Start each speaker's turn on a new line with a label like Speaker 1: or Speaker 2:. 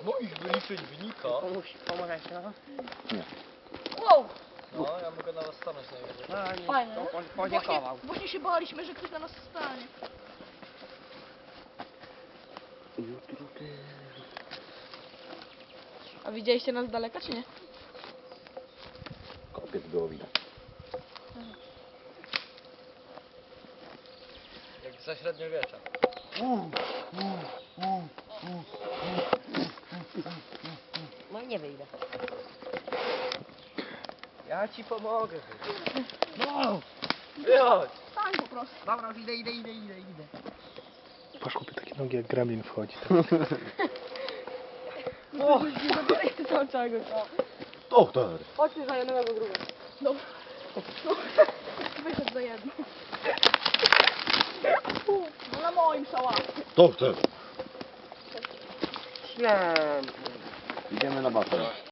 Speaker 1: moich wyliczeń wynika...
Speaker 2: Pomożesz, no?
Speaker 3: Wow!
Speaker 1: No, ja mogę na was stanąć najwyżej.
Speaker 2: No, nie,
Speaker 3: Fajne,
Speaker 2: to
Speaker 3: nie?
Speaker 2: podziękował.
Speaker 3: Właśnie się baliśmy, że ktoś na nas stanie. A widzieliście nas z daleka, czy nie?
Speaker 4: Kopiec było widać.
Speaker 1: Jak za średniowiecza.
Speaker 2: No nie wyjdę.
Speaker 1: Ja ci pomogę.
Speaker 2: No!
Speaker 1: Wychodź!
Speaker 3: Stań po prostu.
Speaker 2: Dobra, już idę.
Speaker 5: Patrz, kupię takie nogi jak gremlin wchodzi.
Speaker 3: O! Nie zabieraj ty tam całego.
Speaker 4: Doktor!
Speaker 3: Chodź ty za jednego druga. Dobra. No. Wyszedł za jedno. No na moim szałaszku.
Speaker 4: Doktor!
Speaker 2: Święty.
Speaker 4: Idziemy na basen.